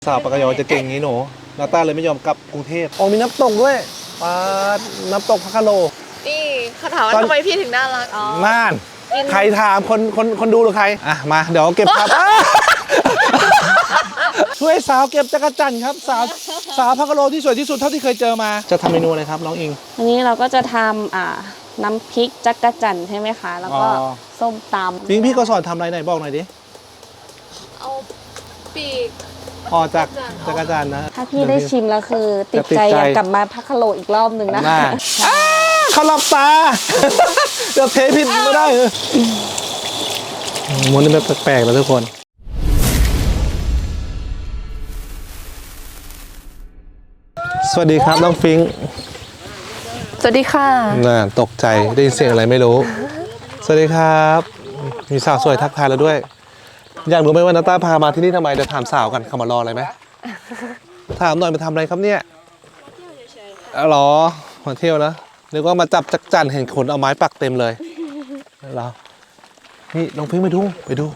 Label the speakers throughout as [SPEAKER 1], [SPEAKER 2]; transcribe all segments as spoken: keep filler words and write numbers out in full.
[SPEAKER 1] สาวปากกยอจะเก่งงี้หนูนาต้าเลยไม่ยอมกลับกรุงเทพอ๋อมีน้ำตกด้วยปาดน้ำตกพะคาโล
[SPEAKER 2] นี่เขาถามว่าทำไมพี่ถึงน่ารักอ๋อ
[SPEAKER 1] น่านใครถามคนคนคนดูหรือใครอ่ะมาเดี๋ยวเก็บครับ ช่วยสาวเก็บจักรจั่นครับสาวสาวพะคาโลที่สวยที่สุดเท่าที่เคยเจอมาจะทำเมนูอะไรครับน้องอิง
[SPEAKER 3] อันนี้เราก็จะทำอ่าน้ำพริกจักรจั่นใช่ไหมคะแล้วก็ส้มตำ
[SPEAKER 1] พิงพี่ก็สอนทำอะไรไหนบอกหน่อยดิ
[SPEAKER 2] เอาปีก
[SPEAKER 1] อ๋อจากจักรจั่นนะ
[SPEAKER 3] ถ้าพี่ได้ชิมแล้วคือติดใจอยากกลับมาพักคาโลอีกรอบหนึ่งนะ
[SPEAKER 1] เขาหลับตาเดี๋ยวเทผิดไม่ได้เลยมันนี่แบบแปลกๆแล้วทุกคนสวัสดีครับน้องฟิงค์
[SPEAKER 2] สวัสดีค่ะ
[SPEAKER 1] น่าตกใจได้ยินเสียงอะไรไม่รู้สวัสดีครับมีสาวสวยทักทายเราด้วยอยากรู้ไหมว่านาต้าพามาที่นี่ทำไมเดี๋ยวถามสาวกันเขามารออะไรไหมถามหน่อยมาทำอะไรครับเนี่ยอ๋อเหรอมาเที่ยวนะนึกว่ามาจับจักรจั่นเห็นขนเอาไม้ปักเต็มเลยเหรอนี่น้องฟิงค์ไปดูไปดู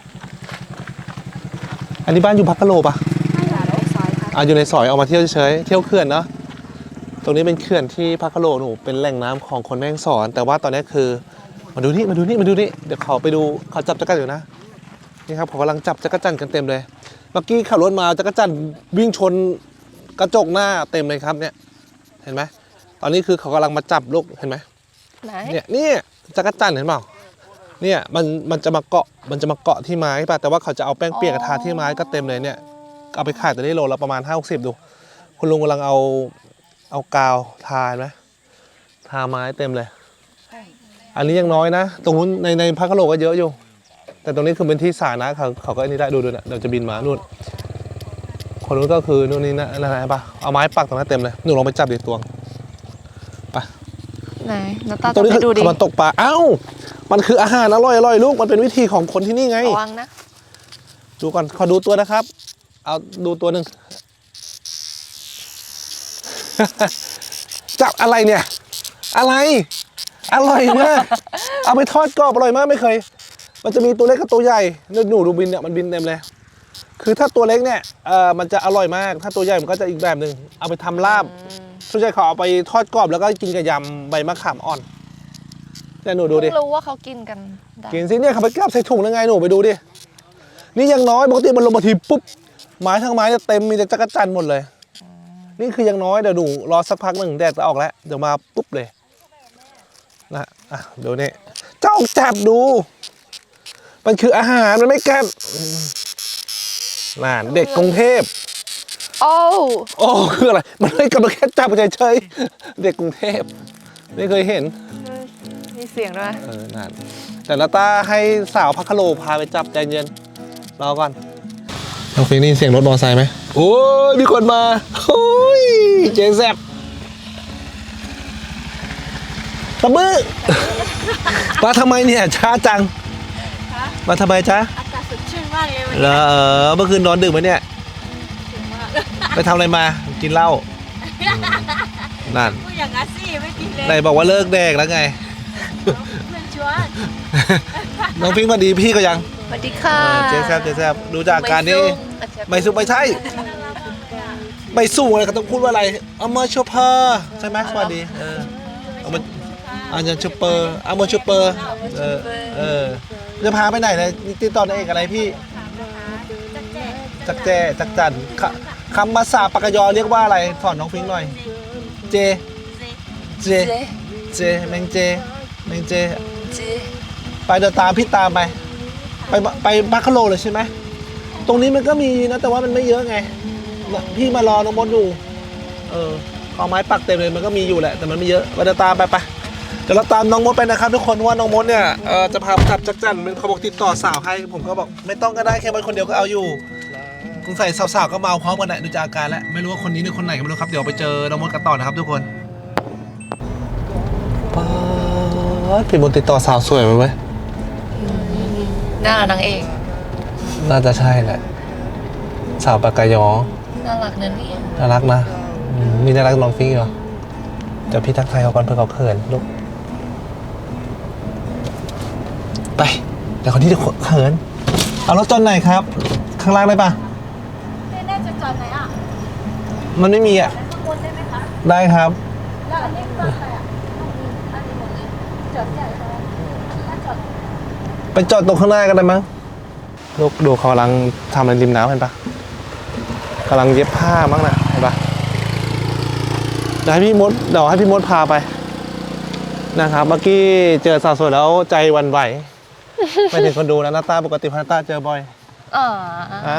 [SPEAKER 1] อันนี้บ้านอยู่พักกะโลปะอ่ะอยู่ในซอยเอามาเที่ยวเฉยเที่ยวเขื่อนเนาะตรงนี้เป็นเขื่อนที่พักกะโลหนูเป็นแหล่งน้ำของคนแม่ฮ่องสอนแต่ว่าตอนนี้คือมาดูนี่มาดูนี่มาดูนี่เดี๋ยวเขาไปดูเขาจับจักรจั่นอยู่นะนี่ครับเขากำลังจับจักรจั่นกันเต็มเลยเมื่อกี้ขับรถมาจักรจั่นวิ่งชนกระจกหน้าเต็มเลยครับเนี่ยเห็นไหมตอนนี้คือเขากำลังมาจับลูกเห็นไหมเนี่ยนี่จักรจั่นเห็นเปล่าเนี่ยมันมันจะมาเกาะมันจะมาเกาะที่ไม้ป่ะแต่ว่าเขาจะเอาแป้งเปียกทาที่ไม้ก็เต็มเลยเนี่ยเอาไปขายแต่ได้โลละประมาณห้าหกสิบดูคุณลุงกำลังเอาเอากาวทาไหมทาไม้เต็มเลยอันนี้ยังน้อยนะตรงนู้นในในพักกะโลก็เยอะอยู่แต่ตรงนี้คือเป็นที่สาธารณะเขาเขาก็อันนี้ได้ดูดูนะเดี๋ยวจะบินมานู่นคนนู้นก็คือนู่นนี่นะอะไรป่ะเอาไม้ปักตรงนั้นเต็มเลยหนูลองไปจับดิตวงไป
[SPEAKER 2] ไหนนาตา
[SPEAKER 1] ตรงนี้
[SPEAKER 2] ดูดิ
[SPEAKER 1] มันตกปลาเอ้ามันคืออาหารอร่อยอร่อยลูกมันเป็นวิธีของคนที่นี่ไง
[SPEAKER 2] ระวังนะ
[SPEAKER 1] ดูก่อนขอดูตัวนะครับเอาดูตัวหนึ่ง จับอะไรเนี่ยอะไรอร่อยมากเอาไปทอดกรอบอร่อยมากไม่เคยมันจะมีตัวเล็กกับตัวใหญ่หนูดูบินเนี่ยมันบินเต็มเลยคือถ้าตัวเล็กเนี่ยเออมันจะอร่อยมากถ้าตัวใหญ่มันก็จะอีกแบบหนึ่งเอาไปทำลาบส่วนใหญ่เขาเอาไปทอดกรอบแล้วก็กินกับยำใบมะขามอ่อนเนี่ยหนูดูดิ
[SPEAKER 2] รู้ว่าเขากินกัน
[SPEAKER 1] กินสิเนี่ยเขาไปกลับใส่ถุงยังไงหนูไปดูดินี่ยังน้อยปกติมันลงมาทีปุ๊บไม้ทั้งไม้จะเต็มมีแต่จักรจั่นหมดเลยนี่คือยังน้อยเดี๋ยวดูรอสักพักหนึ่งแดดจะออกแล้วเดี๋ยวมาปุ๊บเลยนะอ่ะดูนี่เจ้าจับดูมันคืออาหารมันไม่กัดน่าเด็กกรุงเทพ
[SPEAKER 2] โอ้
[SPEAKER 1] โอ้คืออะไรมันไม่กำลังแค่จับเฉยๆเด็กกรุงเทพไม่เคยเห็น
[SPEAKER 2] มีเสียงด้วย
[SPEAKER 1] เออนั่นแต่นาต้าให้สาวพักคาโลพาไปจับใจเย็นรอก่อนน้องฟิงนี่เสียงรถมอเตอร์ไซค์ไหมโอ้ยมีคนมาโอ้ยเจ๊แซ่บตะมือมาทำไมเนี่ยช้าจังมาทำไมจ๊ะ
[SPEAKER 2] อากาศสดชื่นมากเลยวัน
[SPEAKER 1] นี้เออเมื่อคืนนอนดึกไหมเนี่ยไปทำอะไรมากินเหล้านั่น
[SPEAKER 2] พูดอย่างนั้นสิไม่กินเลย
[SPEAKER 1] ไหนบอกว่าเลิกแดกแล้วไง
[SPEAKER 2] เพื่อนชวน
[SPEAKER 1] น้องฟิงมาดีพี่ก็ยัง
[SPEAKER 2] สวัสดีค่ะ
[SPEAKER 1] เจ๊แซ่บเจ๊แซ่บดูจากการนี้ไม่สู้ไม่ใช่ไม่สู้อะไรเขาต้องพูดว่าอะไรเอามาชูเปอร์ใช่ไหมสวัสดีเออเอามาเอามาชูเปอร์เอามาชูเปอร์เออเออจะพาไปไหนนะติดต่อในเอกอะไรพี่จักแจจักจั่นคำภาษาปากกยอเรียกว่าอะไรสอนน้องฟิงหน่อยเจเจเจแมงเจแมงเจไปเดินตามพี่ตามไปไปไปพักคาโลเลยใช่ไหมตรงนี้มันก็มีนะแต่ว่ามันไม่เยอะไงพี่มารอน้องมดอยู่เออเอาไม้ปักเต็มเลยมันก็มีอยู่แหละแต่มันไม่เยอะไปเดินตามไปไปเดี๋ยวเราตามน้องมดไปนะครับทุกคนว่าน้องมดเนี่ยเออจะพาจับจักรจั่นเป็นเขาบอกติดต่อสาวให้ผมก็บอกไม่ต้องก็ได้แค่คนเดียวก็เอาอยู่สงสัยสาวๆก็เมาพร้อมกันแหละดูจากอาการแล้วไม่รู้ว่าคนนี้หรือคนไหนก็ไม่รู้ครับเดี๋ยวไปเจอน้องมดกันต่อนะครับทุกคนพี่มดติดต่อสาวสวยไหมเว้ย
[SPEAKER 2] น่านางเอก
[SPEAKER 1] น่าจะใช่แหละสาวปากกยอ
[SPEAKER 2] น่ารักนะเนี่ย
[SPEAKER 1] น่ารักนะมีน่ารักน้องฟิงเหรอเดี๋ยวพี่ทักทายเขาก่อนเพื่อเขาเขินลูกไปเดี๋ยวคนที่จะเขินเอารถจอดไหนครับข้างล่างได้ปะ
[SPEAKER 2] ไม่แน่จะจอดไหนอ่ะ
[SPEAKER 1] มันไม่มีอ่ะได้ครับไปจอดตรงข้างหน้ากันได้มั้งลูกดูเขากำลังทำอะไรริมน้ำเห็นปะกำลังเย็บผ้ามั้งน่ะเห็นปะเดี๋ยวให้พี่มดเดี๋ยวให้พี่มดพาไปนะครับเมื่อกี้เจอสาวสวยแล้วใจหวันไหว ไม่ถึงคนดูนะหน้าตาปกติพันตาเจอบ่อย
[SPEAKER 2] อ๋อ
[SPEAKER 1] อ่า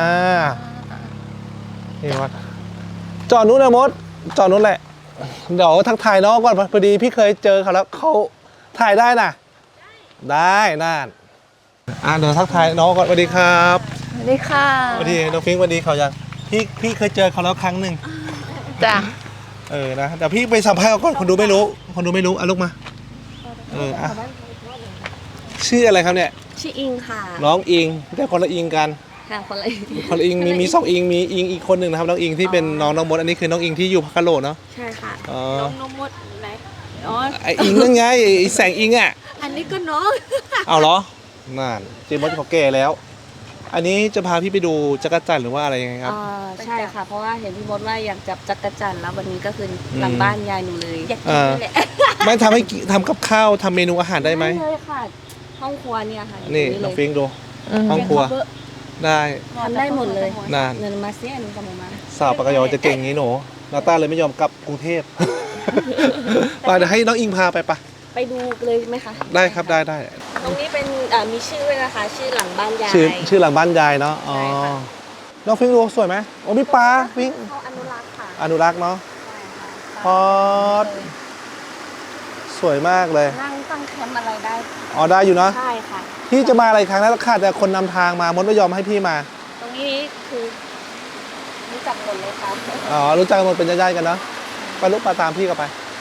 [SPEAKER 1] นี่วัดจอดนู้นนะมดจอดนู้นแหละเดี๋ยวทักทายน้องก่อนพอดีพี่เคยเจอเขาแล้วเขาถ่ายได้น่ะได้น่านอ่าเดี๋ยวทักทายน้องก่อนสวัสดีครับ
[SPEAKER 2] สวัสดีค่ะ
[SPEAKER 1] สวัสดีน้องฟิงค์สวัสดีเขายังพี่พี่เคยเจอเขาแล้วครั้งหนึ่ง
[SPEAKER 2] จ้ะ
[SPEAKER 1] เออนะเดี๋ยวพี่ไปสัมภาษณ์เขาก่อนคนดูไม่รู้คนดูไม่รู้อ่ะลูกมาเอออ่ะชื่ออะไรครับเนี่ย
[SPEAKER 3] ชื่ออิงค่ะ
[SPEAKER 1] น้องอิงแต่คนละอิงกัน
[SPEAKER 3] ค่ะคนละ
[SPEAKER 1] คนละอิงมีมีสองอิงมีอิงอีกคนหนึ่งนะครับน้องอิงที่เป็นน้องน้องมดอันนี้คือน้องอิงที่อยู่พักกะโหลเนาะ
[SPEAKER 3] ใช่ค่ะ
[SPEAKER 1] อ๋อ
[SPEAKER 2] น้องนมมดไหนอ๋อ
[SPEAKER 1] ไออิงนั่นไงไอแสงอิงอ่ะ
[SPEAKER 2] อันนี้ก็น้อง
[SPEAKER 1] เอาเหรอนั่นเจมส์มดเขาแก่แล้ว อันนี้จะพาพี่ไปดูจักรจันทร์หรือว่าอะไรยังไงครับ
[SPEAKER 3] อ่าใช่ค่ะ เพราะว่าเห็นพี่มดว่าอยากจับจักรจันทร์แล้ววันนี้ก็คือหลังบ้านยายหนูเลย
[SPEAKER 2] อยากกินนี่แหละ
[SPEAKER 1] ไม่ทำให้กิทำกับข้าวทำเมนูอาหารได้ไหม
[SPEAKER 3] เลยค่ะ ห้องครัวเนี่ยค่ะ
[SPEAKER 1] นี่
[SPEAKER 3] อยู่
[SPEAKER 1] น้อง
[SPEAKER 3] เล
[SPEAKER 1] ฟิ
[SPEAKER 3] ย
[SPEAKER 1] งค์ดูห้องครัวได้
[SPEAKER 3] ทำได้หมดเลย
[SPEAKER 1] นาน
[SPEAKER 3] เงินมาเสียหนึ่งกับหมูมา
[SPEAKER 1] สาวปากกยอจะเก่งอย่างนี้หนูนาต้าเลยไม่ยอมกลับกรุงเทพ ไปเดี๋ยวให้น้องอิงพาไปปะ
[SPEAKER 3] ไปดูเลยไหมคะ
[SPEAKER 1] ได้ครับได้ได้
[SPEAKER 3] ตรงนี้เป็นอ่ามีชื่อด้วยนะคะ ชื่อหลังบ้านยาย
[SPEAKER 1] ชื่อชื่อหลังบ้านยายเนาะอ๋อ
[SPEAKER 3] ใช่ค่ะ
[SPEAKER 1] น้องฟิงค์ดูสวยไหมโอ้มีปลาฟิงค์
[SPEAKER 3] เขาอนุรักษ์ค่ะ
[SPEAKER 1] อนุรักษ์เนาะ
[SPEAKER 3] ใช่ค่ะ
[SPEAKER 1] พอดสวยมากเลย
[SPEAKER 3] นั่งตั้งแคมป์อะไรได้
[SPEAKER 1] อ๋อได้อยู่เนาะ
[SPEAKER 3] ใช่ค่ะ
[SPEAKER 1] พี่จะมาอะไรครั้งนั้นขาดแต่คนนำทางมามดไม่ยอมให้พี่มา
[SPEAKER 3] ตรงนี้คือรู้จักหมดเลยค่ะ
[SPEAKER 1] อ๋อรู้จักกันหมดเป็นญาติๆกันเนาะไปลุกปลาตามพี่ก็ไป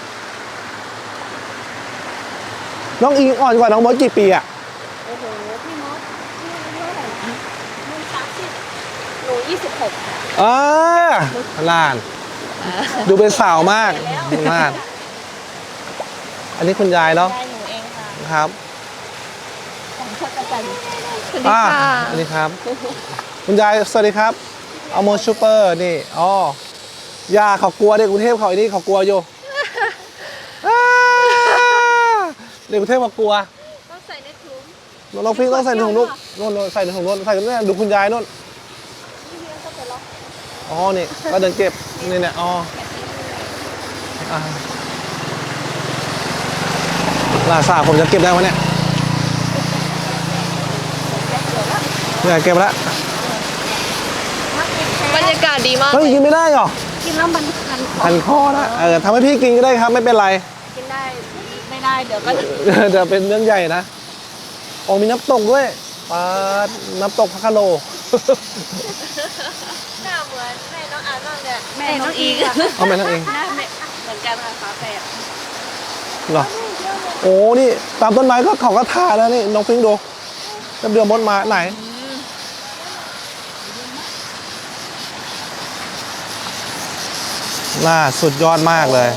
[SPEAKER 1] น้องอิงอ่อนกว่าน้องมดกี่ปีอะ
[SPEAKER 3] โอ้โห พี่มดพี่อายุเท่าไหร่นะมันสามสิบหนูยี่สิบหกค่ะ
[SPEAKER 1] อ่าลาน ดูเป็นสาวมากมาก อันนี้คุณยายเนาะ
[SPEAKER 3] ยายหนูเองค่ะ
[SPEAKER 1] ครับ
[SPEAKER 3] ของชักกระจันทร์
[SPEAKER 2] สวัสดี
[SPEAKER 1] อ่า
[SPEAKER 2] ค่ะ
[SPEAKER 1] อันนี้ครับ คุณยายสวัสดีครับเอาโมชูเปอร์นี่อ๋อยาเขากลัวเด็กกรุงเทพเขาไอ้นี่เขากลัวอยู่ อ่าเด็กกรุงเทพเขากลัว
[SPEAKER 2] ต้องใส่ในถุง
[SPEAKER 1] น้องฟิงค์ต้องใส่ในถุงลูกนู่นนู่นใส่ในถุงนู่นใส่กันเนี่ยดูคุณยายนู่นอ๋อนี่ก็เดินเก็บนี่เนี่ยอ๋ออ่าลาซาผมจะเก็บได้ไหมเนี่ยเนี่ยเก็บแล้ว
[SPEAKER 2] บรรยากาศดีมาก
[SPEAKER 1] เฮ้ยกินไม่ได้หรอ
[SPEAKER 3] กินแล้วมันคันคอ
[SPEAKER 1] พันคอนะเออทำให้พี่กินก็ได้ครับไม่เป็นไร
[SPEAKER 3] กินได้ ไม่ได้เดี๋ยวก็
[SPEAKER 1] เดี๋ยวเป็นเรื่องใหญ่นะโอ้มีน้ำตกด้วยปลาน้ำตกพักกะโล
[SPEAKER 2] หน้าเหมือนแม่น้องอาร์ตมากเลย
[SPEAKER 3] แม่น้องอีก
[SPEAKER 1] เอาไปนั่นเอง
[SPEAKER 3] หน้าแม่เหมือนกันค่ะฝาแฝด
[SPEAKER 1] เหรอโอ้นี่ตามต้นไม้ก็เขาก็ทาแล้วนี่น้องฟิงค์ดูจะเดือมดมาไหนน่าสุดยอดมากเลย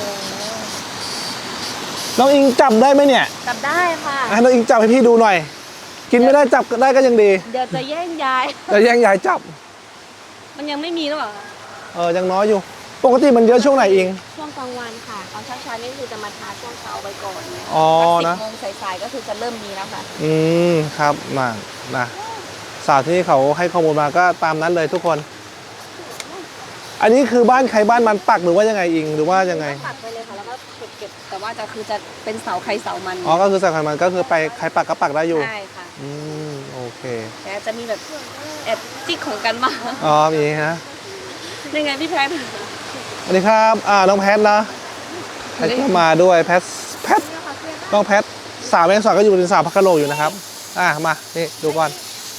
[SPEAKER 1] น้องอิงจับได้ไหมเนี่ย
[SPEAKER 3] จับได้ค่ะ
[SPEAKER 1] ให้น้องอิงจับให้พี่ดูหน่อย กินไม่ได้จับได้ก็ยังดี
[SPEAKER 3] เดี๋ยวจะแย่งยาย
[SPEAKER 1] แต่แย่งยายจับ
[SPEAKER 3] มันยังไม่มีหรือเปล่า
[SPEAKER 1] เออยังน้อยอยู่ ปกติมันเยอะช่วงไหนอิง
[SPEAKER 3] ช่วงกลางวันค่ะ ตอนเช้าๆนี่คือจะมาทาช่วงเช้าไปก่อนเนี่ย
[SPEAKER 1] อ๋อ
[SPEAKER 3] สิ
[SPEAKER 1] นะ
[SPEAKER 3] บโมงสายๆก็คือจะเริ่มมีแล้วค่ะ
[SPEAKER 1] อืมครับมานะสาวที่เขาให้ข้อมูลมาก็ตามนั้นเลยทุกคน อันนี้คือบ้านใครบ้านมันปักหรือว่ายังไงอิงหรือว่ายังไง
[SPEAKER 3] ตัดไปเลยค่ะแล้วก็เก็บเก็บแต่ว่าจะคือจะเป็นเสาใครเสามัน
[SPEAKER 1] อ๋อก็คือสายพันธุ์มันก็คือไปใครปักก็ปักได้อยู่
[SPEAKER 3] ใช่ค่ะ
[SPEAKER 1] อืมโอเค
[SPEAKER 3] แต่จะมีแบบแอบจิกของกันบ้าง
[SPEAKER 1] อ๋อมีนะ
[SPEAKER 3] ยังไงพี่แพทย์
[SPEAKER 1] สวัสดีครับอ่าน้องแพทนะแพทก็มาด้วยแพทแพทน้องแพทสาวแมงสอนก็อยู่เป็นสาวพักกะโหลอยู่นะครับอ่ามานี่ดูก่อน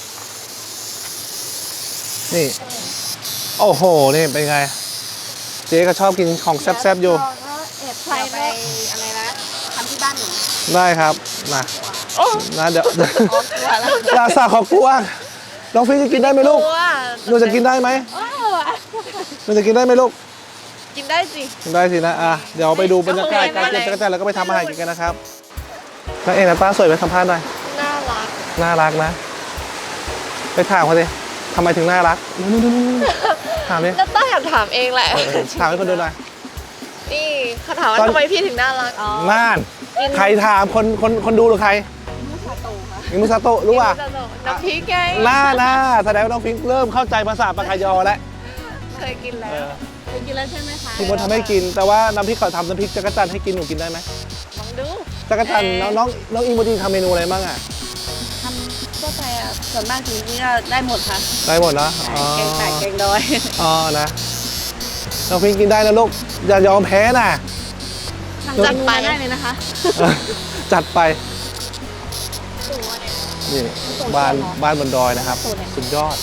[SPEAKER 1] นี่โอ้โหนี่เป็นไงเจ๊ก็ชอบกินของแซ่บๆอยู่
[SPEAKER 3] แอบใส่ไปอะไรนะทำที่บ้านหนู
[SPEAKER 1] ได้ครับนะนะเดี๋ยว
[SPEAKER 3] อ๋อกลัวแล้ว
[SPEAKER 1] ลาซาขอกลัวน้องฟิงจะกินได้ไหมลูกหนูจะกินได้ไหมหนูจะกินได้ไหมลูก
[SPEAKER 2] กินได้สิ
[SPEAKER 1] ได้สินะอ่ะเดี๋ยวไปดูบรรยากาศการเก็บจักรจันทร์แล้วก็ไปทำอาหารกินกันนะครับนักเอกนักตาสวยไหมสัมภาษณ์หน่อย
[SPEAKER 2] น่ารัก
[SPEAKER 1] น่ารักนะ ไปถามเขาสิทำไมถึงน่ารักนู่นถามดิ
[SPEAKER 2] แล้วต้าอยากถามเองแหละ
[SPEAKER 1] เออถามให้คนดูหน่อย
[SPEAKER 2] นี่เขาถามว่า
[SPEAKER 1] ตอน
[SPEAKER 2] ทำไมพี่ถึงน่ารัก
[SPEAKER 1] น่านใครถามคนคนคนดูหรือใครมิมุซาโตะรู้ป่ะ
[SPEAKER 2] น้ำพริกไง
[SPEAKER 1] น่าน่าแสดงว่าน้องฟิงเริ่มเข้าใจภาษาปากกายอแล้ว
[SPEAKER 2] เคยกินแล้
[SPEAKER 1] เอ
[SPEAKER 2] ว
[SPEAKER 1] อ
[SPEAKER 3] เคยกินแล้วใช่ไหมคะ
[SPEAKER 1] พี่มดทำให้กิน แต่ว่าน้ำพริกเขาทำน้ำพริกจักรจันทร์ให้กินหนูกินได้ไหม
[SPEAKER 2] ลองดู
[SPEAKER 1] จักรจันทร์น้องน้องน้องอิงโมดีทำเมนูอะไรบ้างอ่ะ
[SPEAKER 3] ทำทั่วไปอ่ะส่วนมากทีนี้ก็ได้หมดค่ะ
[SPEAKER 1] ได้หมดนะอ๋อ
[SPEAKER 3] แกงไก่แกงดอย
[SPEAKER 1] อ๋อนะน้องฟิงกินได้นะลูกอย่ายอมแพ้นะ
[SPEAKER 3] จัดไปได้เลยนะคะ
[SPEAKER 1] จัดไปนี่บ้านบ้านบนดอยนะครับ สุดยอด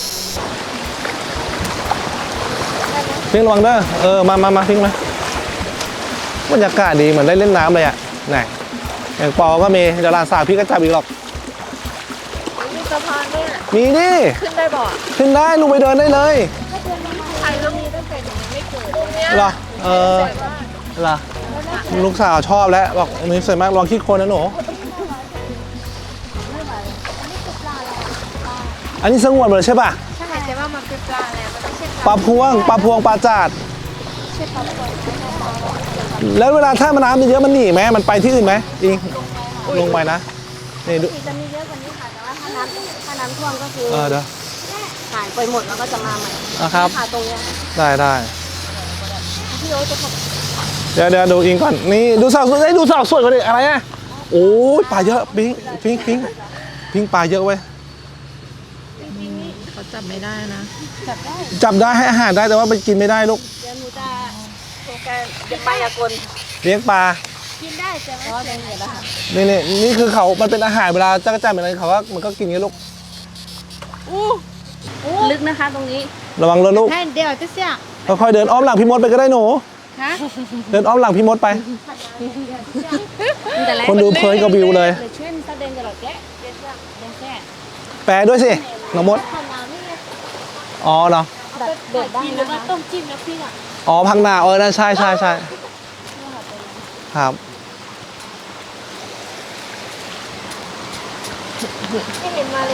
[SPEAKER 1] พิงระวังเด้อเออมามามาพิงมาบรรยากาศดีเหมือนได้เล่นน้ำเลยอ่ะไหนอย่างปอก็มีเดี๋ยวหลานสาวพี่ก็จับอีกหรอก
[SPEAKER 2] มีสะพานด้วยอะ
[SPEAKER 1] มีนี่
[SPEAKER 2] ขึ้นได้บ่อ
[SPEAKER 1] ขึ้นได้ลูกไปเดินได้เลย
[SPEAKER 2] ใครต้องมีตั้งแต่ยังไม่เกิดตรงเนี้ย
[SPEAKER 1] เหรอเออเหรอลูกสาวชอบแล้วบอกนี่สวยมากลองขี้โคลนนะหนูอันนี้สงวนหมดเลยใช่ป่ะ
[SPEAKER 2] ใช่แต่ว่ามันเป็นปลาแล้วมันไม่ใช่
[SPEAKER 1] ปลาพวงปลาพวงปลาจาดแล้วเวลาถ้ามันน้ำมันเยอะมันหนีไหมมันไปที่อื่นไหมอิงลงไปนะนี่ดู
[SPEAKER 3] จะมีเยอะกว่านี้ค่ะ แต่ว่าถ้าน้ำถ้าน้ำท่วมก็คือ
[SPEAKER 1] เออเดี๋ยว
[SPEAKER 3] หายไปหมดแล้วก็จะมาใหม่
[SPEAKER 1] นะครับ
[SPEAKER 3] ค่ะตรงเนี้ย
[SPEAKER 1] ได้ได้
[SPEAKER 3] พี่โอ๊ตจะท
[SPEAKER 1] เดี๋ยวเดี๋ยวดูอิงก่อนนี่ดูสาวสวยได้ยดูสาวสวยกว่านี้อะไรอ่ะโอ้ยปลาเยอะพิงพิงพิงพิงปลาเยอะเว้ย
[SPEAKER 2] เขาจับไม่ได้นะ
[SPEAKER 3] ำจับได้
[SPEAKER 1] จับได้ให้อาหารได้แต่ว่าไปกินไม่ได้ลูก
[SPEAKER 3] เดี๋ยวหนูจะโครงการเดี๋ยวไปยากล
[SPEAKER 1] เลี้ยงปลา
[SPEAKER 3] กินได้ใช่ไหมอ๋อได้เห็นแล้วค่ะ
[SPEAKER 1] นี่นี่นี่คือเขามันเป็นอาหารเวลาจักรจันทร์เป็นอะไรเขาก็มันก็กินงี้ลูก
[SPEAKER 3] ลึกนะคะตรงนี้
[SPEAKER 1] ระวังเลยลูก
[SPEAKER 3] ให้เดี๋ยวจะเสีย
[SPEAKER 1] ค่อยๆเดินอ้อมหลังพี่มดไปก็ได้หนู
[SPEAKER 3] ฮะ
[SPEAKER 1] เดินอ้อมหลังพี่มดไป
[SPEAKER 3] แต่แรก
[SPEAKER 1] คนดูเพลินกับวิวเลย
[SPEAKER 3] เดี๋ยวช่วยมันแสดงกันหรอกแกเดี๋ยวจะเดี๋ยวแค่
[SPEAKER 1] แปลด้วยสิน้องมด
[SPEAKER 3] ข้าวน้ำนี่ไง
[SPEAKER 1] อ๋อเนาะ
[SPEAKER 3] แบบเด็ดได้นะคะต้มจิ้มแล้วพี่อ่ะ
[SPEAKER 1] อ๋อพังนาเออนั่นใช่ใช่ใช่ครับ
[SPEAKER 2] ไม่เห็นมาเลย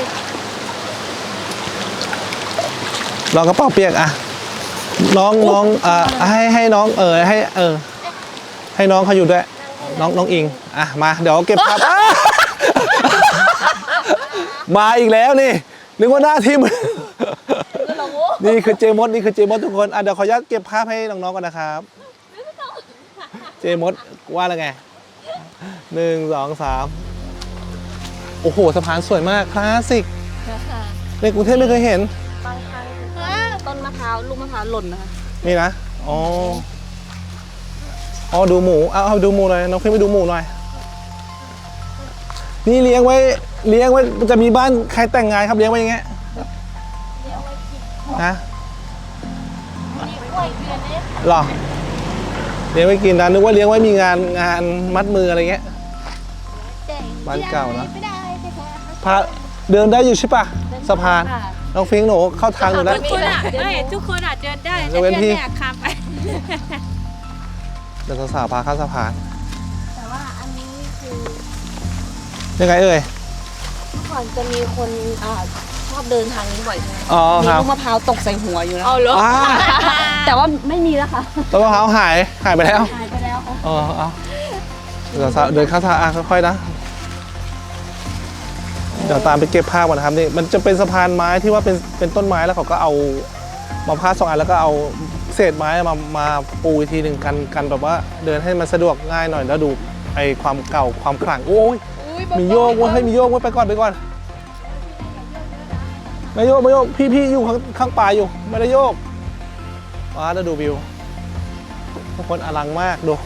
[SPEAKER 1] ลองกระเป๋าเปียกอ่ะน้องน้องอ่าให้ให้น้องเออให้เออให้น้องเขาอยู่ด้วยน้องน้องอิงอ่ะมาเดี๋ยวเก็บภาพอ่ะมาอีกแล้วนี่นึกว่าหน้าทีมนี่คือเจมดนี่คือเจมดทุกคนอ่ะเดี๋ยวขออนุญาตเก็บภาพให้น้องๆก่อนนะครับเจมดว่าแล้วไงหนึ่งสองสามโอ้โหสะพานสวยมากคลาสสิกในกรุงเทพไม่เคยเห็น
[SPEAKER 3] บางครั้งต้นมะพร้าวลูกมะพร้าวหล่นนะคะ
[SPEAKER 1] นี่นะ อ๋อ อ๋อ ดูหมู เอาเอาดูหมูหน่อย น้องขึ้นไปดูหมูหน่อย นี่เลี้ยงไว้ เลี้ยงไว้ จะมีบ้านใครแต่งงานครับ เลี้ยงไว้อย่างเงี้ยนะหรอ เลี้ยงไว้กินนะนึกว่าเลี้ยงไว้มีงานงานมัดมืออะไรเงี้ย บ้านเก่านะพาเดินได้อยู่ใช่ปะสะพาน น้องฟิงค์หนูเข้าทางหนูแล้ว
[SPEAKER 4] ทุกคนอ่ะเอ้ยทุกคนอ่ะเดินได้
[SPEAKER 1] ย
[SPEAKER 4] แต่
[SPEAKER 1] กเว้นพี่
[SPEAKER 4] พี่ไม่อยากข้ามไป
[SPEAKER 1] เดี๋ยวสาวๆพาข้ามสะพาน
[SPEAKER 3] แต่ว่าอันนี้คือ
[SPEAKER 1] ยังไงเอ่ย
[SPEAKER 3] เมื่อก่อนจะมีคนอ่าชอบเดินทางนี้บ่อยใช่ไหม
[SPEAKER 1] อ๋อ
[SPEAKER 3] มี
[SPEAKER 1] ครับ
[SPEAKER 3] ลูกมะพร้าวตกใส่หัวอยู่นะ
[SPEAKER 2] เอาเหรอ
[SPEAKER 1] อ่า
[SPEAKER 3] แต่ว่าไม่มีแล้วค่ะ
[SPEAKER 1] ต้นมะพร้าวหาย หายไปแล้ว
[SPEAKER 3] หายไปแล้ว
[SPEAKER 1] อ๋อเอาเดี๋ยวเดินเข้าทางอ่ะค่อยๆนะ เดี๋ยวตามไปเก็บภาพก่อนนะครับนี่ มันจะเป็นสะพานไม้ที่ว่าเป็นเป็นต้นไม้แล้วเขาก็เอามาพาดสองอันแล้วก็เอาเศษไม้มามาปูอีกทีหนึ่งกันกันแบบว่าเดินให้มันสะดวกง่ายหน่อยแล้วดูไอความเก่าความขลังโอ้ย
[SPEAKER 2] อุ้ย
[SPEAKER 1] มีโยกเว้ยให้มีโยกเว้ยไปก่อนไปก่อนไม่โยกไม่โยกพี่พี่อยู่ข้างข้างป่าอยู่ไม่ได้โยกว้าแล้วดูวิวทุกคนอลังมากดู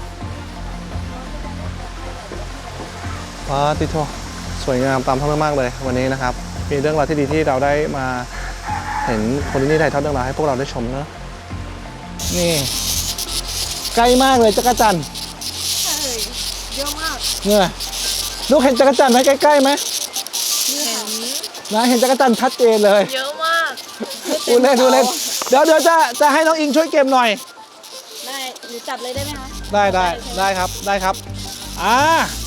[SPEAKER 1] ว้าติโตสวยงามตามท้องเรื่องมากเลยวันนี้นะครับมีเรื่องราวที่ดีที่เราได้มาเห็นคนที่นี่ถ่ายทอดเรื่องราวให้พวกเราได้ชมเนอะนี่ใกล้มากเลยจักรจันทร์
[SPEAKER 2] เยอะมาก
[SPEAKER 1] เนี่ยลูกเห็นจักรจันทร์ไหมใกล้ๆไหม
[SPEAKER 2] เห็น
[SPEAKER 1] นะเห็นจักรจันทร์ชัดเจนเลย
[SPEAKER 2] เยอะมาก
[SPEAKER 1] ดูเล่นดูเล่นเดี๋ยวเดี๋ยวจะจะให้น้องอิงช่วยเก็บหน่อย
[SPEAKER 3] ได้หรือจับเลยได้ไหมคะ
[SPEAKER 1] ได้ได้ได้ครับได้ครับอ่า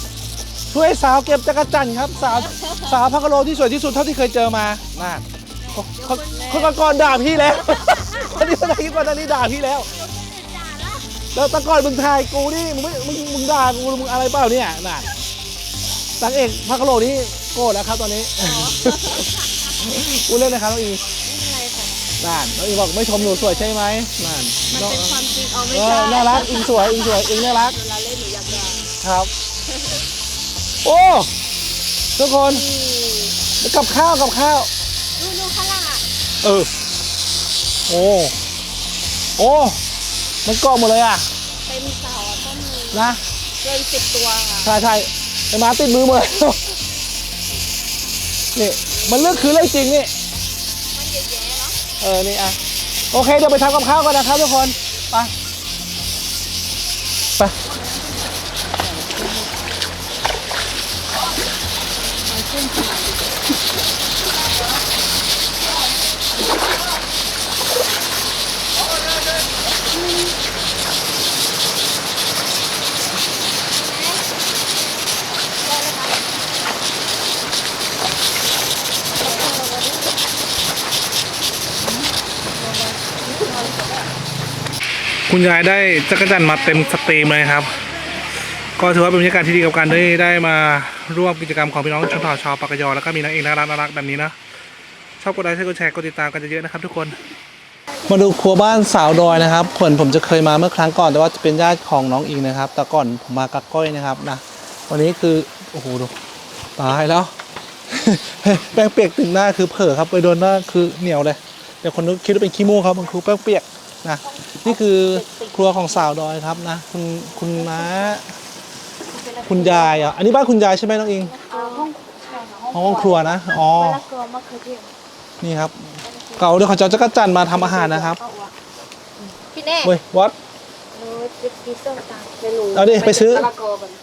[SPEAKER 1] ช่วยสาวเก็บจักรจันทร์ครับสาวสาวพักกะโลที่สวยที่สุดเท่าที่เคยเจอมาน่าคนคนก่อนด่าพี่แล้วคนนี้คนไหนก่อนหน้านี้ด่าพี่แล้วแล้วตะก่อนมึงทายกูนี่มึงไม่มึงมึงด่ากูมึงอะไรเปล่าเนี่ยน่ะนางเอกพระกะโหลกนี่โกรธแล้วครับตอนนี้กูเล่นนะครับน้องอีนั่นน้องอีบอกไม่ชมหนูสวยใช่ไหมนั่น
[SPEAKER 2] มันเป็นความจริงเอาไม่
[SPEAKER 1] เอ
[SPEAKER 2] ใช่
[SPEAKER 1] อน่ารักอิงสวยอิงสวยอิงน่ารัก
[SPEAKER 2] เวลาเล่นหนูอยากด่า
[SPEAKER 1] ครับโอ้ทุกคนกับข้าวกับข้าว
[SPEAKER 2] ดูดูข้างล่างอ่ะ
[SPEAKER 1] เออโอ้โอ้มันเกาะหมดเลยอ่ะ
[SPEAKER 2] เต็มเสาอ่ะต้นมือ
[SPEAKER 1] นะ
[SPEAKER 2] เกินสิบตัวค่ะ
[SPEAKER 1] ใช่ใช่ไอ้หมาติดมือหมดเลยนี่มันเลือกคือเรื่องจริงนี่
[SPEAKER 2] มันเยอะแยะเนาะ
[SPEAKER 1] เออนี่อ่ะโอเคเดี๋ยวไปทำกับข้าวกันนะครับทุกคนไปไปคุณยายได้จักรจันทร์มาเต็มสตรีมเลยครับก็ถือว่าเป็นบรรยากาศที่ดีกับการได้ได้มาร่วมกิจกรรมของพี่น้องชนเผ่าชาวปากกยอแล้วก็มีนางเอกน่ารักน่ารักแบบนี้นะชอบกดไลค์กดแชร์กดติดตามกันเยอะๆนะครับทุกคนมาดูครัวบ้านสาวดอยนะครับผมผมจะเคยมาเมื่อครั้งก่อนแต่ว่าจะเป็นญาติของน้องอิงนะครับแต่ก่อนผมมากับก้อยนะครับนะวันนี้คือโอ้โหดูตายแล้ว แป้งเปียกถึงหน้าคือเผลอครับไปโดนหน้าคือเหนียวเลยเดี๋ยวคนนึกคิดว่าเป็นขี้มูกครับมันคือแป้งเปียกนะนี่คือครัวของสาวดอยครับนะคุณคุณน้าคุณยายอ่ะอันนี้บ้านคุณยายใช่ไหมน้องอิง
[SPEAKER 2] ห้อง
[SPEAKER 1] ห้องครัวนะอ๋อ
[SPEAKER 2] มะละกอมะเขือเทศ
[SPEAKER 1] นี่ครับเก่าเดี๋ยวเขาจะเอาจักรจันทร์มาทำอาหารนะครับ
[SPEAKER 2] พี่เน่
[SPEAKER 1] เว้ยวัด
[SPEAKER 2] หนูจะกินส้มตำเดี๋ยวหนู
[SPEAKER 1] เอาดิไปซื้อ
[SPEAKER 2] มะละกอก่อน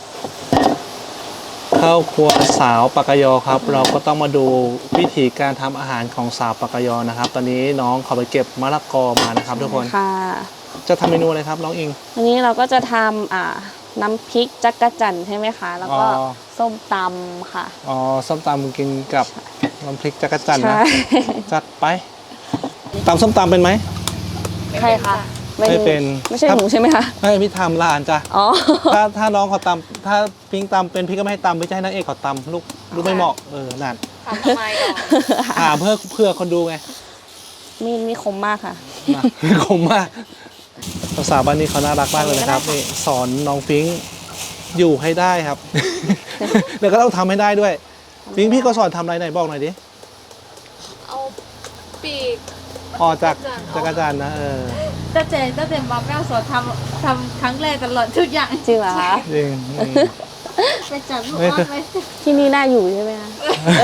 [SPEAKER 1] ข้าวครัวสาวปากกยอครับ เราก็ต้องมาดูวิธีการทำอาหารของสาวปากกยอนะครับ ตอนนี้น้องเขาไปเก็บมะละกอมานะครับทุกคน
[SPEAKER 3] ค่ะ
[SPEAKER 1] จะทำเมนูอะไรครับน้องอิง
[SPEAKER 3] วันนี้เราก็จะทำอ่าน้ำพริกจักรจันทร์ใช่ไหมคะ แล้วก็
[SPEAKER 1] อ๋อ
[SPEAKER 3] ส้มตำค่ะ
[SPEAKER 1] อ๋อส้มตำกินกับน้ำพริกจักรจันทร์นะ
[SPEAKER 3] ใช่
[SPEAKER 1] จัดไปตำส้มตำเป็นไหม
[SPEAKER 3] ใครคะ
[SPEAKER 1] ไม่เป็น
[SPEAKER 3] ไม่ใช่หนูใช่ไหมคะ
[SPEAKER 1] ไม่พี่ทำหลานจ้ะ
[SPEAKER 3] อ๋อ
[SPEAKER 1] ถ้าถ้าน้องเขาตำถ้าพิงตำเป็นพี่ก็ไม่ให้ตำไม่ใช่ให้นางเอกเขาตำลูกลูกไม่เหมาะเออนั่น
[SPEAKER 2] ทำทำไมก่อน
[SPEAKER 1] ถามเพื่อเพื่อคนดูไง
[SPEAKER 3] มีดนี่คมมากค่ะ
[SPEAKER 1] นะคมมากสาวๆบ้านนี้เขาน่ารักมากเลยนะครับนี่สอนน้องฟิงค์อยู่ให้ได้ครับ เดี๋ยวก็ต้องทำให้ได้ด้วยฟิงค์พี่ก็สอนทำอะไรไหนบอกหน่อยดิ
[SPEAKER 2] เอาปีก
[SPEAKER 1] ออกจากจักรจันทร์นะเออ
[SPEAKER 2] ตั้งแต่ตั้งแต่มาแม่สอนทำทำครั้งแรกตลอดทุกอย่าง
[SPEAKER 3] จริงเหรอคะ
[SPEAKER 1] จริงอืม
[SPEAKER 2] ไปจับลูกอ้อนไว้
[SPEAKER 3] ที่นี่น่าอยู่ใช่ไหมคะ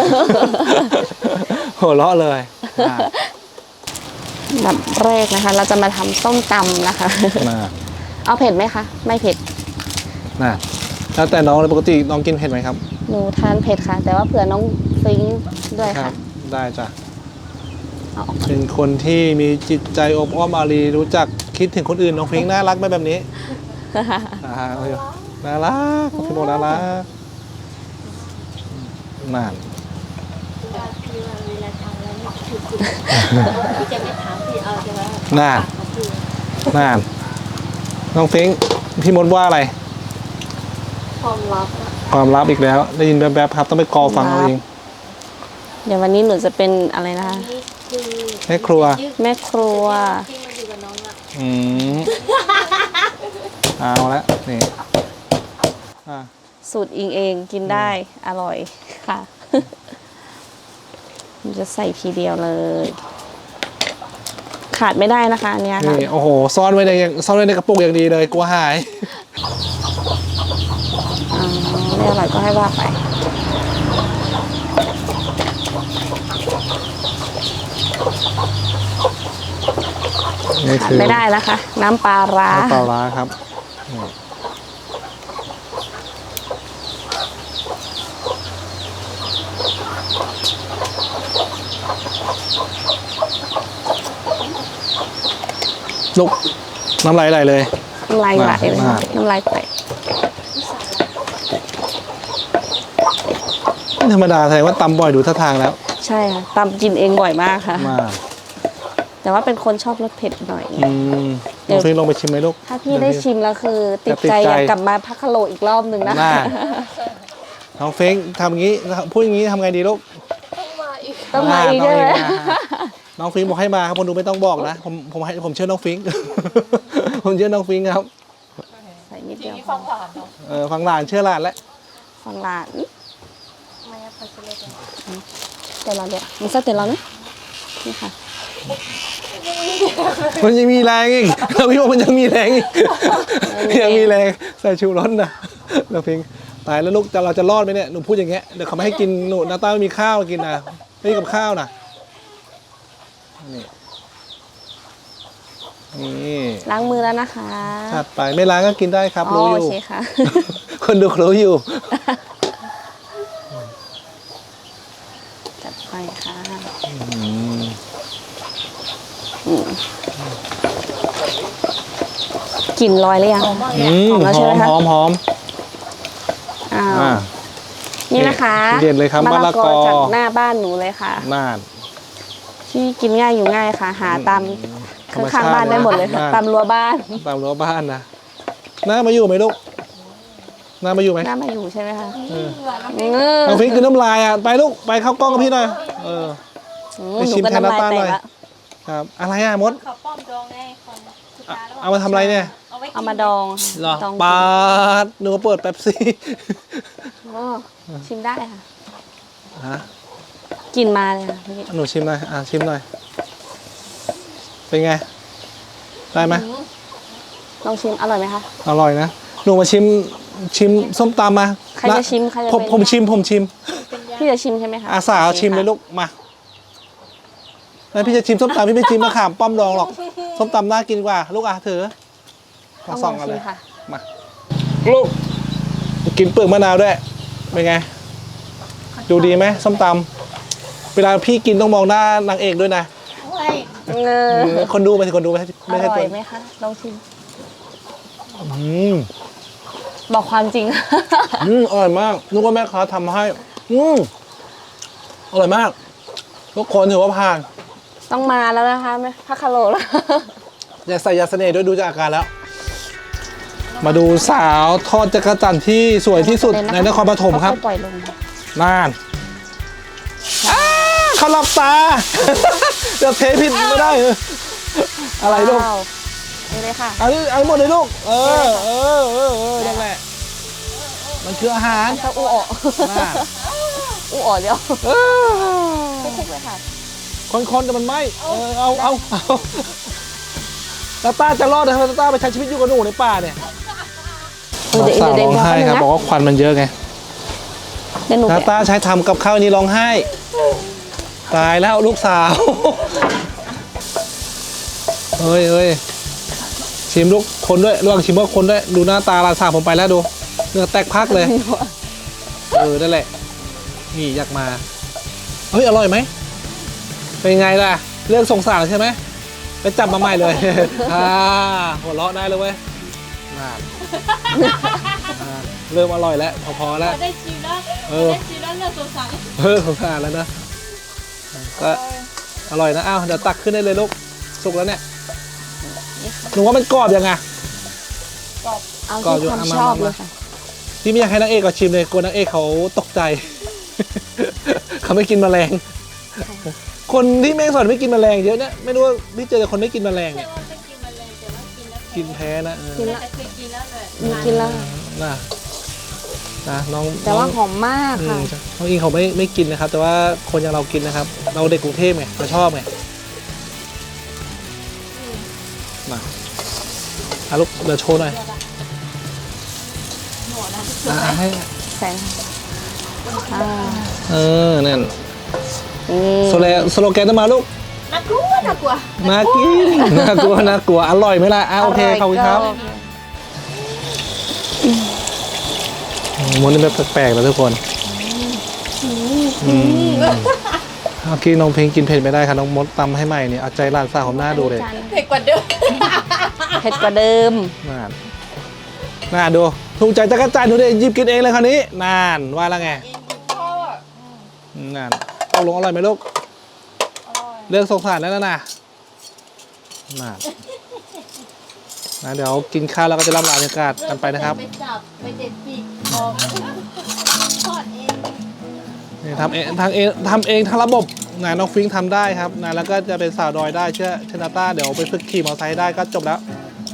[SPEAKER 1] หัวเราะเลยอ่ะ
[SPEAKER 3] แบบแรกนะคะ เราจะมาทำส้มตำนะคะ
[SPEAKER 1] น่ะ
[SPEAKER 3] เอาเผ็ดไหมคะ ไม่เผ็ด
[SPEAKER 1] น่ะแล้วแต่น้องเลยปกติน้องกินเผ็ดไหมครับ
[SPEAKER 3] หนูทานเผ็ดค่ะ แต่ว่าเผื่อน้องฟิงค์ด้วย
[SPEAKER 1] ครั
[SPEAKER 3] ค่ะ
[SPEAKER 1] บได้จ้ะ
[SPEAKER 3] เอาออก
[SPEAKER 1] เป็นคนที่มีจิตใจอบอ้อมอารีรู้จักคิดถึงคนอื่นน้องฟิงค์น่ารักไหมแบบนี้อ่าน่ารักพี่โมน่ารักนั่น
[SPEAKER 2] พี่ว่าเวลาทำแล้วไม่ถูกพี่จะไม่ถามพี่เอาจะว่า
[SPEAKER 1] น่นนั่นน้องฟิงค์พี่มดว่าอะไร
[SPEAKER 2] ความลับอะ
[SPEAKER 1] ความลับอีกแล้ว ได้ยินแป๊บๆครับ ต้องไปกอฟังเอาเอง
[SPEAKER 3] เดี๋ยววันนี้หนูจะเป็นอะไรนะคะ
[SPEAKER 2] นี่คือ
[SPEAKER 1] แม่ครัว
[SPEAKER 3] แม่ครัว
[SPEAKER 2] ที่มาอยู่กับน้องอะ
[SPEAKER 1] อืมเอาละนี่อ่ะ
[SPEAKER 3] สูตรอิงเองกินได้อร่อยค่ะ มันจะใส่ทีเดียวเลย ขาดไม่ได้นะคะอันเนี้ยค่ะ
[SPEAKER 1] นี่โอ้โหซ่อนไว้ในซ่อนไว้ในกระปุกอย่างดีเลยกลัวหาย
[SPEAKER 3] อ๋อไม่อร่อยก็ให้ว่าไป
[SPEAKER 1] นี่คือ
[SPEAKER 3] ไม่ได้นะคะ น้ำปลาร้า
[SPEAKER 1] น้ำปลาร้าครับนี่ลุกน้ำลายไหลเลย
[SPEAKER 3] น้ำลายไหลเลย
[SPEAKER 1] มาก
[SPEAKER 3] น้ำลายไหล
[SPEAKER 1] ไม่ธรรมดาแสดงว่าตำบ่อยดูท่าทางแล้ว
[SPEAKER 3] ใช่ค่ะตำกินเองบ่อยมากค่ะ
[SPEAKER 1] มา
[SPEAKER 3] แต่ว่าเป็นคนชอบรสเผ็ดหน่อย
[SPEAKER 1] อืมน้องฟิงลองไปชิมไหมลูก
[SPEAKER 3] ถ้าพี่ได้ชิมแล้วคือติดใจ
[SPEAKER 1] ติดใจ
[SPEAKER 3] อยากกลับมาพักคโลอีกรอบหนึ่งนะ
[SPEAKER 1] น่า น้องฟิงทำอย่างนี้พูดอย่างนี้ทำไงดีลูก
[SPEAKER 3] ต้องมาอีก
[SPEAKER 1] ต้
[SPEAKER 3] ใช่
[SPEAKER 1] ง
[SPEAKER 3] ไหม
[SPEAKER 1] นะน้องฟิงบอกให้มาครับคนดูไม่ต้องบอกนะผมผมให้ผมเชื่อน้องฟิง ผมเชื่อน้องฟิงครับ
[SPEAKER 3] ใส่นิดเดียว
[SPEAKER 1] เออฟังหลานเชื่อหลานแล้ว
[SPEAKER 3] ฟังหลานเดี๋ยวเราเดี๋ยวมันจะเดี๋ยวเรานะนี่ค่ะ
[SPEAKER 1] มันยังมีแรงอีกเราพี่ว่ามันยังมีแรงอีกยังมีแรงใส่ชูรสนะน้องฟิงตายแล้วลูกจะเราจะรอดไหมเนี่ยหนูพูดอย่างเงี้ยเดี๋ยวเขาไม่ให้กินหนูนาต้าไม่มีข้าวกินนะไม่มีกับข้าวนะนี่นี่
[SPEAKER 3] ล้างมือแล้วนะคะ
[SPEAKER 1] ถัดไปไม่ล้างก็กินได้ครับ
[SPEAKER 3] อ๋อ
[SPEAKER 1] รู้อ
[SPEAKER 3] โอยู่ เคค่ะ
[SPEAKER 1] คนดูรู้อยู่
[SPEAKER 3] จัดไปค่ะ
[SPEAKER 1] อืม
[SPEAKER 3] อืมกลิ่นลอยหรือยัง
[SPEAKER 1] อืม
[SPEAKER 3] หอมแล้ว
[SPEAKER 1] ห
[SPEAKER 3] ใช่
[SPEAKER 1] อ
[SPEAKER 3] ไหม
[SPEAKER 1] ม
[SPEAKER 3] คะ
[SPEAKER 1] หอมหอม
[SPEAKER 3] อ้าว
[SPEAKER 1] อ่า
[SPEAKER 3] นี่นะคะ
[SPEAKER 1] เด็ดเลยครับมะละกอ
[SPEAKER 3] จากหน้าบ้านหนูเลยค่ะ
[SPEAKER 1] น่าน
[SPEAKER 3] ที่กินง่ายอยู่ง่ายค่ะ หาตาม
[SPEAKER 1] ธรรมชา
[SPEAKER 3] ข้าง
[SPEAKER 1] ติ
[SPEAKER 3] ๆบ้านได้หมดเลยค่ะ
[SPEAKER 1] น่าน
[SPEAKER 3] ตามรั้วบ้าน
[SPEAKER 1] ตามรั้วบ้านนะน้ามาอยู่ไหมลูกน้ามาอยู่ไหม
[SPEAKER 3] น่ามาอยู่ใช่ไหมคะ
[SPEAKER 1] เออ
[SPEAKER 3] เออ
[SPEAKER 1] น้องฟิงคือน้ำลายอ่ะไปลูกไปเข้ากล้องกับพี่หน่อยเออ
[SPEAKER 3] อื
[SPEAKER 1] ไป
[SPEAKER 3] หนู
[SPEAKER 1] ชิม
[SPEAKER 3] ก็
[SPEAKER 1] แทน
[SPEAKER 3] น้ำลาย
[SPEAKER 1] น้ำตาล
[SPEAKER 3] แต
[SPEAKER 1] หน่
[SPEAKER 3] ก
[SPEAKER 1] อย
[SPEAKER 3] ละ
[SPEAKER 1] ครับอะไรอ่ะมด
[SPEAKER 4] เขาป้อมดองไงของคุณตาแล้ว
[SPEAKER 1] เอามาทำอะไรเนี่ย
[SPEAKER 4] เอาไว้กิน
[SPEAKER 3] เอามาดอง
[SPEAKER 1] เหรอ
[SPEAKER 3] ดอง
[SPEAKER 1] ปาดหนูก็เปิดแป๊บซี่
[SPEAKER 3] อ๋อชิมได้ค่ะ
[SPEAKER 1] ฮะ
[SPEAKER 3] กลินมาเลยค่ะพี่
[SPEAKER 1] หนูชิมหน่อยอ่ะชิมหน่อยเป็นไงได้ไหม
[SPEAKER 3] ลองชิมอร่อยไหมคะ
[SPEAKER 1] อร่อยนะหนูมาชิมชิมส้มตำมา
[SPEAKER 3] ใครจะชิมใครจะ
[SPEAKER 1] ผม
[SPEAKER 3] เป็น
[SPEAKER 1] ผมชิมผมชิม
[SPEAKER 3] พี่จะชิมใช่ไหมคะ
[SPEAKER 1] อาสาเอาชิมเลยลูกมาแล้วพี่จะชิมส้มตำพี่ไม่ชิมมะขามป้อมดองหรอกส้มตำน่ากินกว่า ลูกอ่ะถือ
[SPEAKER 3] ต้
[SPEAKER 1] มา
[SPEAKER 3] อง
[SPEAKER 1] ส่
[SPEAKER 3] ล
[SPEAKER 1] อ
[SPEAKER 3] อง ง
[SPEAKER 1] กัน
[SPEAKER 3] ชิ
[SPEAKER 1] เล
[SPEAKER 3] ม
[SPEAKER 1] ย
[SPEAKER 3] ค่ะ
[SPEAKER 1] มาลูกกินเปลือกมะนาวด้วยเป็นไง ดูดีไหมส้มตำเวลาพี่กินต้องมองหน้านางเอกด้วยนะ
[SPEAKER 3] เออ
[SPEAKER 1] คนดูไปสิคนดูไม่ใช่
[SPEAKER 3] อ
[SPEAKER 1] ไม่ใช่
[SPEAKER 3] ร่อ
[SPEAKER 1] ตั
[SPEAKER 3] ยว ไหมคะลองชิม
[SPEAKER 1] อืม
[SPEAKER 3] บอกความจริง
[SPEAKER 1] อืมอร่อยมากนึกว่าแม่ค้าทำให้ อืมอร่อยมากทุกคนถือว่าผ่าน
[SPEAKER 3] ต้องมาแล้วนะคะแม่พักคาโลแล้ว
[SPEAKER 1] อย่าใส่ยาเสน่ห์ด้วยดูจากอาการแล้ว มาดูสาวทอดจักรจันทร์ที่สวยที่สุดในนครปฐมครับ
[SPEAKER 3] ค่อยๆปล่อยลงค่ะ
[SPEAKER 1] น่านอ้าเขาหลับตา จะเทผิดไม่ได้เอออะไรลูก
[SPEAKER 3] ว้าวนี่เลยค่ะ
[SPEAKER 1] เอันนี้เอาหมดเลยลูก เออเออเออเออนั่นแหละ มันคืออาหาร
[SPEAKER 3] ถ้าอู้ออก
[SPEAKER 1] น่า
[SPEAKER 3] อู้ออกเดียว
[SPEAKER 1] เออ
[SPEAKER 3] คลุกๆเลยค่ะ
[SPEAKER 1] คนๆแต่มันไม่เออเอาเอาเอาตาต้าจะรอดนะตาต้าไปใช้ชีวิตอยู่กับหนูในป่าเนี่ย
[SPEAKER 3] เดี๋ยว
[SPEAKER 1] สาว
[SPEAKER 3] เดี๋ยว
[SPEAKER 1] ร้องไห้ครับบอกว่าควันมันเยอะไง
[SPEAKER 3] เดี๋ยวหนู
[SPEAKER 1] ตา
[SPEAKER 3] แกะ
[SPEAKER 1] ต้าใช้ทำกับข้าวนี้ร้องไห้ ตายแล้วลูกสาว เฮ้ยเฮ้ยชิมลูกคนด้วยระหว่างชิมก็คนด้วยดูหน้าตาหลานสาวผมไปแล้วดูเนื้อแตกพักเลย เออนั่นแหละนี่อยากมาเฮ้ยอร่อยไหมเป็นไงล่ะเรื่องสงสารใช่ไหมไปจับมาใหม่เลย อ่าหัวเราะได้เลยเว้ยน่าอ่าเริ่มอร่อยแล้วพอๆแล้ว
[SPEAKER 4] ได้ชิมแล้ว
[SPEAKER 1] เออ
[SPEAKER 4] ได้ชิมแล้วเลือกสงสาร
[SPEAKER 1] เออสงสารแล้วนะก็อร่อยนะอ้าวเดี๋ยวตักขึ้นได้เลยลูกสุกแล้วเนี่ยหนูว่ามันกรอบยังไง
[SPEAKER 3] เอา
[SPEAKER 1] ก่อน
[SPEAKER 3] ที่
[SPEAKER 1] อยู่
[SPEAKER 3] ความ
[SPEAKER 1] เอามา
[SPEAKER 3] ชอบ
[SPEAKER 1] มา
[SPEAKER 3] เลยค่ะ
[SPEAKER 1] พี่ไม่อยากให้นางเอกก็ชิมเลยกลัวนางเอกเขาตกใจ เขาไม่กินแมลง คนที่แม่งสอนไม่กินแมลงเยอะเนี่ยไม่รู้ว่าพี่เจอแต่คนไม่กินแมลง
[SPEAKER 4] ไม่
[SPEAKER 1] เนี่ย
[SPEAKER 4] ว่าไม่กินมันเลยแต่ว่ากินแล้ว
[SPEAKER 1] กินแพ้นะเออ
[SPEAKER 3] กินแล้ว
[SPEAKER 4] แต่เคยกินแล้วเลย
[SPEAKER 3] อืมกินแล้ว
[SPEAKER 1] นะนะน้อง
[SPEAKER 3] แต่ว่า
[SPEAKER 1] น้อง
[SPEAKER 3] หอมมาก
[SPEAKER 1] อื
[SPEAKER 3] ค่ะ
[SPEAKER 1] มน้องอิงเขาไม่ไม่กินนะครับ แต่ว่าคนอย่างเรากินนะครับ เราเด็กกรุงเทพไงเราชอบไงมาอ่ะลูกเดี๋ยวโชว์หน่อยอ่ะให้
[SPEAKER 3] แสงอ่า
[SPEAKER 1] เออนั่น
[SPEAKER 3] นี่
[SPEAKER 1] โซโลสโลแกนต้องมาลูก
[SPEAKER 4] น่ากลัวน่ากลัว
[SPEAKER 1] น่ากินน่ากลัวน่ากลัวอร่อยไหมล่ะอ่ะโอเคขอบคุณครับมันนี่แบบแปลกๆนะทุกคนอืมเมื่อกี้น้องเพลงกินเผ็ดไม่ได้ค่ะน้องมดตำให้ใหม่เนี่ยเอาใจร้านสาวผมหน้าดูเลย
[SPEAKER 4] เผ็ดกว่าเดิม
[SPEAKER 3] เผ็ดกว่าเดิม
[SPEAKER 1] น่านน่าดูถูกใจจักรจันทร์ดูดิหยิบกินเองเลยคราวนี้นานว่าแล้วไงอืมนั่นตกลงอร่อยไหมลูกเลือกสงสารแล้วนะนะน่านะเดี๋ยวกินข้าวแล้วก็จะร่ำลาบรรยากาศกันไปนะครับ
[SPEAKER 2] ไปจับไปเด็ดปีกบอกทอดเอง
[SPEAKER 1] นี่ทำเองทำเองทำเองทั้งระบบนะน้องฟิงค์ทำได้ครับนะแล้วก็จะเป็นสาวดอยได้เชื่อเชนาต้าเดี๋ยวไปฝึกขี่มอเตอร์ไซค์ได้ก็จบแล้ว
[SPEAKER 2] แม่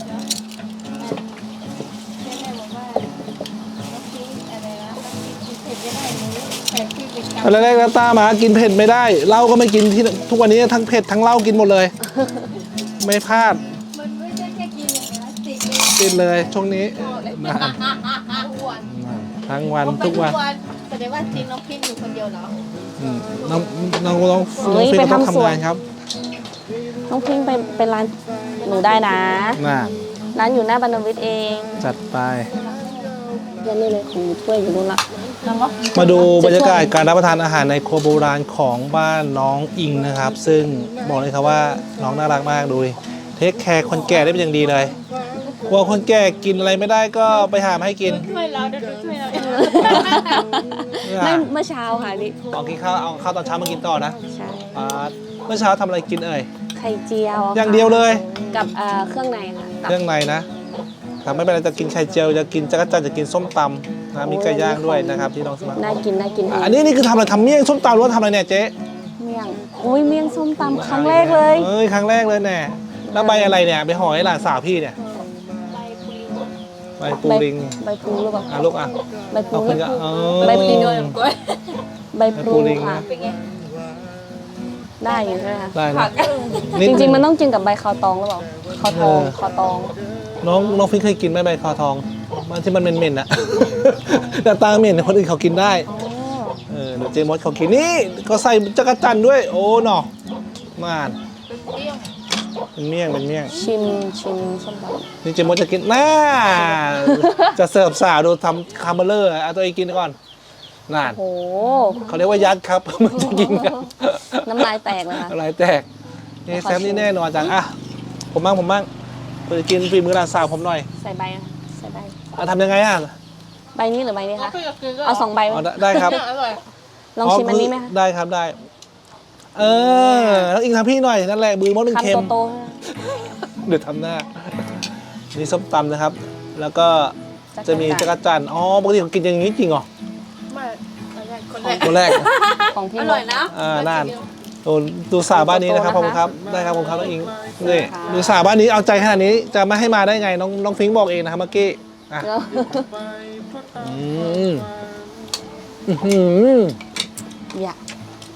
[SPEAKER 2] แม่บอกว่าน้องพีอะไรนะกินเผ็ดไม่ได้หนูแพ้พี่เป็นกรรม
[SPEAKER 1] ตอนแรกนาต้ามากินเผ็ดไม่ได้เหล้าก็ไม่กินที่ทุกวันนี้ทั้งเผ็ดทั้งเหล้ากินหมดเลย ไม่พลาด
[SPEAKER 2] มันไม่ใช่แค่กินอย่างนี้นะติดเลย
[SPEAKER 1] กินเลยช่วงนี้นะ
[SPEAKER 2] ทุกวัน
[SPEAKER 1] ทั้งวันทุกวัน
[SPEAKER 2] แสดงว่าทีมน้องพินอยู่คนเดียวเหรอ
[SPEAKER 1] อืมน้องน้องน้อง
[SPEAKER 3] เฮ้ย
[SPEAKER 1] ฟิงค์ก็ต้อง
[SPEAKER 3] ไปทำสวน
[SPEAKER 1] ทำงานครับ
[SPEAKER 3] น้องพิงไปเป็นร้านหนูได้นะ
[SPEAKER 1] น่ะ
[SPEAKER 3] ร้านอยู่หน้าบรรณวิทย์เอง
[SPEAKER 1] จัดไป
[SPEAKER 3] ยันนี่เลยของถ้วยอยู่นู่นละ
[SPEAKER 1] มาดูบรรยากาศการรับประทานอาหารในครัวโบราณของบ้านน้องอิงนะครับ ซึ่งบอกเลยครับว่าน้องน่ารักมากดูดิเทคแคร์คนแก่ได้เป็นอย่างดีเลยกลัวคนแก่กินอะไรไม่ได้ก็ไปหามาให้กิน
[SPEAKER 2] ช่วยเราเดี๋ยวช่วยเรา
[SPEAKER 3] ไม่เมื่อเช้าค่ะพี่
[SPEAKER 1] เอากินข้าวเอาข้าวตอนเช้ามากินต่อนะ
[SPEAKER 3] ใช่
[SPEAKER 1] อ่าเมื่อเช้าทำอะไรกินเอ่ย
[SPEAKER 3] ไข่เจียว
[SPEAKER 1] อย่างเดียวเลย
[SPEAKER 3] กับเอ่อเครื่องในค่ะตับ
[SPEAKER 1] เครื่องในนะครับไม่เป็นไรจะกินไข่เจียวจะกินจักรจันทร์จะกินส้มตำนะมีไก่ย่างด้วยนะครับที่น้องสมัคร
[SPEAKER 3] น่ากินน่ากิน
[SPEAKER 1] อันนี้นี่คือทำอะไรทำเมี่ยงส้มตำหรือว่าทำอะไรเนี่ยเจ๊
[SPEAKER 3] เมี่ยงอุ้ยเมี่ยงส้มตำครั้งแรกเลย
[SPEAKER 1] เอ้ยครั้งแรกเลยแน่แล้วใบอะไรเนี่ยไปห่อให้หลานสาวพี่เนี่ยใบปูลิง
[SPEAKER 3] ใบพลูหรือเปล่า
[SPEAKER 1] อ่ะลูกอ่ะ
[SPEAKER 3] ใบพลู
[SPEAKER 1] เอาขึ้นก็เออ
[SPEAKER 3] ใบพลูใบพลู
[SPEAKER 1] ใบพลูลิง
[SPEAKER 3] ค่ะ
[SPEAKER 2] เป็นไง
[SPEAKER 3] ได้อยู่ใช่ไหมคะ
[SPEAKER 1] ได้นะ
[SPEAKER 3] จริงๆมันต้องกินกับใบคาวตองหรือเปล่าคาวตองคาวตอง
[SPEAKER 1] น้องน้องฟิงเคยกินไหมใบคอทองมันที่มันเหม็นๆอ่ะ แต่ตาเหม็นคนอื่นเขากินได้
[SPEAKER 3] อ๋อ
[SPEAKER 1] เออเดี๋ยวเจมส์เขากินนี่ก็ใส่จักรจันทร์ด้วย โอ้หนอมานเป็นเมี่ยงเป็นเมี่ยง
[SPEAKER 3] ชิมชิมส้มต
[SPEAKER 1] นี่เจมส์จะกินน่า จะเสิร์ฟสาวดูทำคาร์เบลเลอร์เอาตัวเองกินก่อนนาน
[SPEAKER 3] ำโอ้โห
[SPEAKER 1] เขาเรียกว่ายัดครับ มันจะกินกัน
[SPEAKER 3] น้ำลายแตกเลยค่ะ
[SPEAKER 1] อะไรแตกนี่แซมนี่แน่นอนจังอ่ะผมบ้างผมบ้างเพื่อกินฝีมือหลานสาวผมหน่อย
[SPEAKER 3] ใส่ใบอะใส่ใบ
[SPEAKER 1] อ่ะทำยังไงอ่ะ
[SPEAKER 3] ใบนี้หรือใบนี้คะเอาสองใบ
[SPEAKER 1] อ๋อได้ได้ครับ
[SPEAKER 2] อร่อย
[SPEAKER 3] ลองชิมอันนี้ไหมคะ
[SPEAKER 1] ได้ครับได้ เออแล้วอิงทำพี่หน่อยนั่นแหละมือมดหนึ่งเค็ม
[SPEAKER 3] คำโต
[SPEAKER 1] เดี๋ยวทำหน้านี่ส้มตำนะครับ แล้วก็จะมีจักรจันทร์อ๋อปกติผมกินอย่างนี้จริงเหรอ
[SPEAKER 2] ไม่คนแรก
[SPEAKER 1] คนแรก
[SPEAKER 3] ๆของพี่
[SPEAKER 2] อ
[SPEAKER 3] ม
[SPEAKER 2] ร่อย
[SPEAKER 3] ด
[SPEAKER 2] นะ
[SPEAKER 1] อ่าน่านโอ้ดูสาวบ้านนี้นะครับขอบคุณครับได้ครับผมครับน้องอิงนี่
[SPEAKER 3] ค่ะ
[SPEAKER 1] ดูสาวบ้านนี้เอาใจขนาดนี้จะไม่ให้มาได้ไงน้องน้องฟิงค์บอกเองนะครับเมื่อกี้อ่ะ
[SPEAKER 3] แล้ว
[SPEAKER 1] อืมอื้อหือ
[SPEAKER 3] อยาก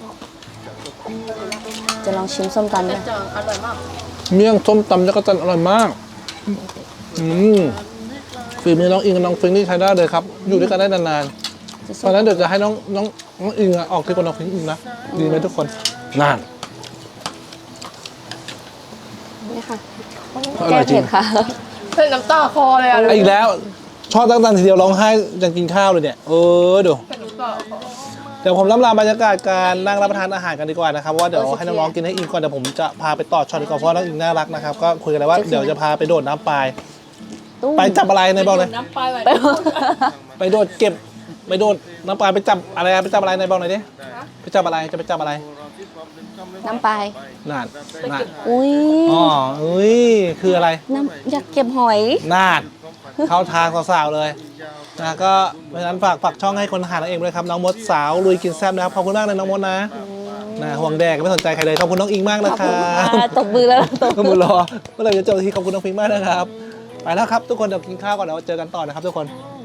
[SPEAKER 3] จะลองชิมส้มตำ
[SPEAKER 2] แต่
[SPEAKER 3] ด้วย
[SPEAKER 2] จองอร่อยมาก
[SPEAKER 1] เมี่ยงส้มตำจักรจันทร์อร่อยมากอืมฝีมือน้องอิงกับน้องฟิงค์นี่ใช้ได้เลยครับ อยู่ด้วยกันได้นานๆตอนนั้นเดี๋ยวจะให้น้องน้องน้องอิงอะออกที่คนน้องฟิงค์อิงนะดีไหมทุกคนนาน
[SPEAKER 3] นี่ค่ะ
[SPEAKER 1] อร่
[SPEAKER 3] แก้
[SPEAKER 1] อยจริ
[SPEAKER 3] เผ็
[SPEAKER 1] ง
[SPEAKER 3] ดค่ะ
[SPEAKER 2] เส้นน้ำตาคอเลยอ่ะ
[SPEAKER 1] อีกแล้ว ชอบตั้งแต่ทีเดียวร้องไห้ยังกินข้าวเลยเนี่ย เออดู
[SPEAKER 2] เป็นน้ำตาคอ
[SPEAKER 1] เดี๋ยวผมล่ำลาบรรยากาศการนั่งรับประทานอาหารกันดีกว่านะครับเพราะว่าเดี๋ยวให้น้องๆกินให้อิ่มก่อนเดี๋ยวผมจะพาไปต่อช็อตดีกว่าเพราะน้องอิงน่ารักนะครับก็คุยกันเลยว่าเดี๋ยวจะพาไปโดดน้ำปลาย
[SPEAKER 3] ตุ้ม
[SPEAKER 1] ไปจับอะไรในบอกเลย
[SPEAKER 2] น้ำปลาแบบ
[SPEAKER 3] ไป
[SPEAKER 1] ไปโดดเก็บไปโดดน้ำปลายไปจับอะไรอะไปจับอะไรในบอกหน่อยดิไปจับอะไรจะไปจับอะไร
[SPEAKER 3] น้ำปลาย
[SPEAKER 1] น่านน่าน
[SPEAKER 3] อุ้ย
[SPEAKER 1] อ๋ออุ้ยคืออะไร
[SPEAKER 3] น้ำอยากเก็บหอย
[SPEAKER 1] น่านเข้าทางสาวๆเลยนะก็เพราะฉะนั้นฝากฝากช่องให้คนหาเราเองด้วยครับน้องมดสาวลุยกินแซ่บนะครับขอบคุณมากเลยน้องมดนะนะห่วงแดกไม่สนใจใครเลยขอบคุณน้องอิงมากนะ
[SPEAKER 3] ขอบ
[SPEAKER 1] ค
[SPEAKER 3] คุ
[SPEAKER 1] รั
[SPEAKER 3] ณ
[SPEAKER 1] บ
[SPEAKER 3] อ่าตบมือแล้วตบ
[SPEAKER 1] ก็มือรอเมื่อไหร่จะเจอทีขอบคุณน้องฟิงค์มากนะครับ ไปแล้วครับทุกคนเดี๋ยวกินข้าวก่อนเดี๋ยวเจอกันต่อนะครับทุกคน
[SPEAKER 3] ค